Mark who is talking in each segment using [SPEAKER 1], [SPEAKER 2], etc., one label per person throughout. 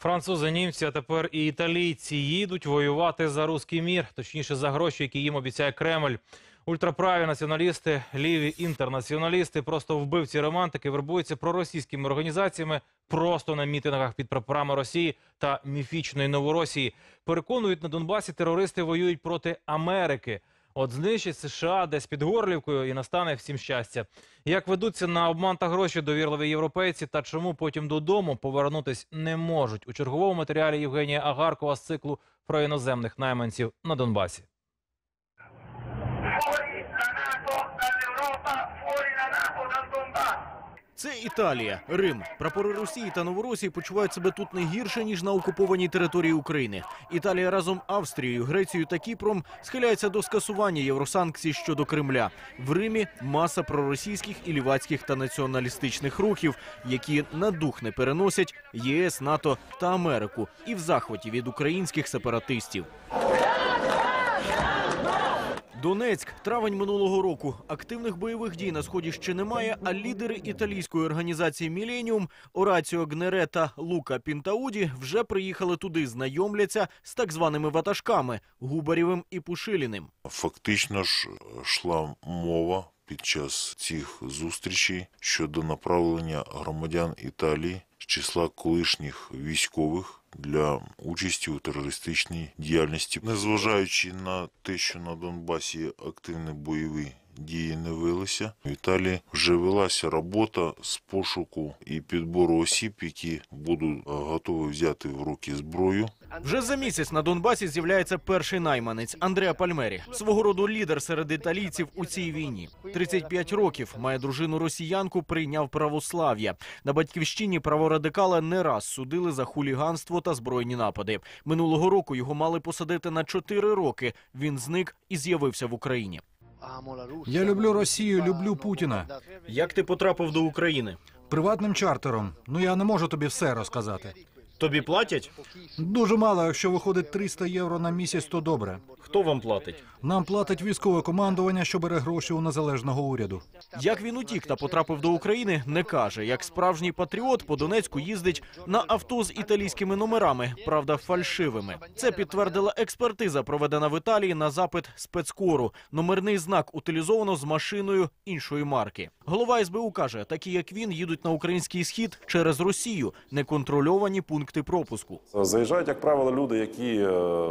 [SPEAKER 1] Французи, німці, а тепер і італійці їдуть воювати за руський мір, точніше за гроші, які їм обіцяє Кремль. Ультраправі націоналісти, ліві інтернаціоналісти, просто вбивці романтики вербуються проросійськими організаціями просто на мітингах під прапорами Росії та міфічної Новоросії. Переконують, на Донбасі терористи воюють проти Америки. От знищать США десь під Горлівкою і настане всім щастя. Як ведуться на обман та гроші довірливі європейці та чому потім додому повернутись не можуть? У черговому матеріалі Євгенія Агаркова з циклу про іноземних найманців на Донбасі.
[SPEAKER 2] Це Італія, Рим. Прапори Росії та Новоросії почувають себе тут не гірше, ніж на окупованій території України. Італія разом з Австрією, Грецією та Кіпром схиляється до скасування євросанкцій щодо Кремля. В Римі маса проросійських і лівацьких та націоналістичних рухів, які на дух не переносять ЄС, НАТО та Америку і в захваті від українських сепаратистів. Донецьк, травень минулого року. Активних бойових дій на Сході ще немає, а лідери італійської організації «Міленіум» Ораціо Гнере та Лука Пінтауді вже приїхали туди, знайомляться з так званими ватажками – Губарєвим і Пушиліним.
[SPEAKER 3] Фактично ж йшла мова під час цих зустрічей щодо направлення громадян Італії з числа колишніх військових для участі у терористичній діяльності. Незважаючи на те, що на Донбасі активні бойові дії не велися, в Італії вже велася робота з пошуку і підбору осіб, які будуть готові взяти в руки зброю.
[SPEAKER 2] Вже за місяць на Донбасі з'являється перший найманець – Андреа Пальмері. Свого роду лідер серед італійців у цій війні. 35 років, має дружину-росіянку, прийняв православ'я. На батьківщині праворадикала не раз судили за хуліганство та збройні напади. Минулого року його мали посадити на 4 роки. Він зник і з'явився в Україні.
[SPEAKER 4] Я люблю Росію, люблю Путіна.
[SPEAKER 2] Як ти потрапив до України?
[SPEAKER 4] Приватним чартером. Ну, я не можу тобі все розказати.
[SPEAKER 2] Тобі платять?
[SPEAKER 4] Дуже мало, якщо виходить 300 євро на місяць, то добре.
[SPEAKER 2] Хто вам платить?
[SPEAKER 4] Нам платить військове командування, що бере гроші у незалежного уряду.
[SPEAKER 2] Як він утік та потрапив до України, не каже. Як справжній патріот по Донецьку їздить на авто з італійськими номерами, правда фальшивими. Це підтвердила експертиза, проведена в Італії на запит спецкору. Номерний знак утилізовано з машиною іншої марки. Голова СБУ каже, такі як він їдуть на український схід через Росію, неконтрольовані пункти пропуску.
[SPEAKER 5] Заїжджають, як правило, люди, які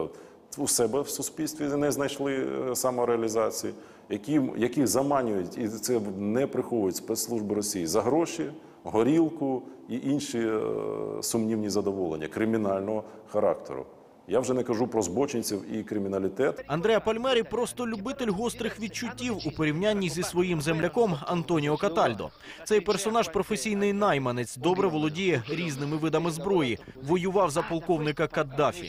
[SPEAKER 5] у себе в суспільстві не знайшли самореалізації, які заманюють, і це не приховують спецслужби Росії, за гроші, горілку і інші сумнівні задоволення кримінального характеру. Я вже не кажу про збочинців і криміналітет.
[SPEAKER 2] Андреа Пальмері просто любитель гострих відчуттів у порівнянні зі своїм земляком Антоніо Катальдо. Цей персонаж – професійний найманець, добре володіє різними видами зброї. Воював за полковника Каддафі.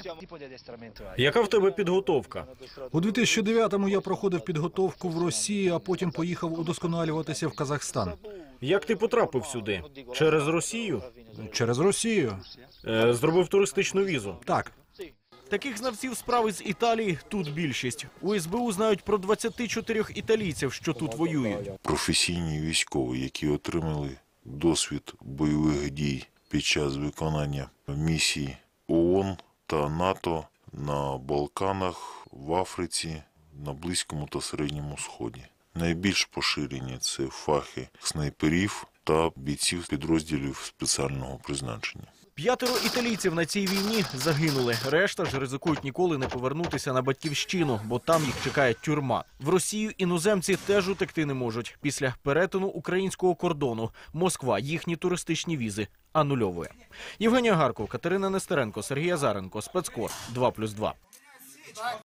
[SPEAKER 2] Яка в тебе підготовка?
[SPEAKER 4] У 2009-му я проходив підготовку в Росії, а потім поїхав удосконалюватися в Казахстан.
[SPEAKER 2] Як ти потрапив сюди? Через Росію?
[SPEAKER 4] Через Росію.
[SPEAKER 2] Зробив туристичну візу?
[SPEAKER 4] Так.
[SPEAKER 2] Таких знавців справи з Італії тут більшість. У СБУ знають про 24 італійців, що тут воюють.
[SPEAKER 3] Професійні військові, які отримали досвід бойових дій під час виконання місій ООН та НАТО на Балканах, в Африці, на Близькому та Середньому Сході. Найбільш поширені – це фахи снайперів та бійців підрозділів спеціального призначення.
[SPEAKER 2] 5 італійців на цій війні загинули. Решта ж ризикують ніколи не повернутися на батьківщину, бо там їх чекає тюрма. В Росію іноземці теж утекти не можуть. Після перетину українського кордону Москва їхні туристичні візи анульовує. Євгенія Агаркова, Катерина Нестеренко, Сергій Азаренко, Спецкор 2+2.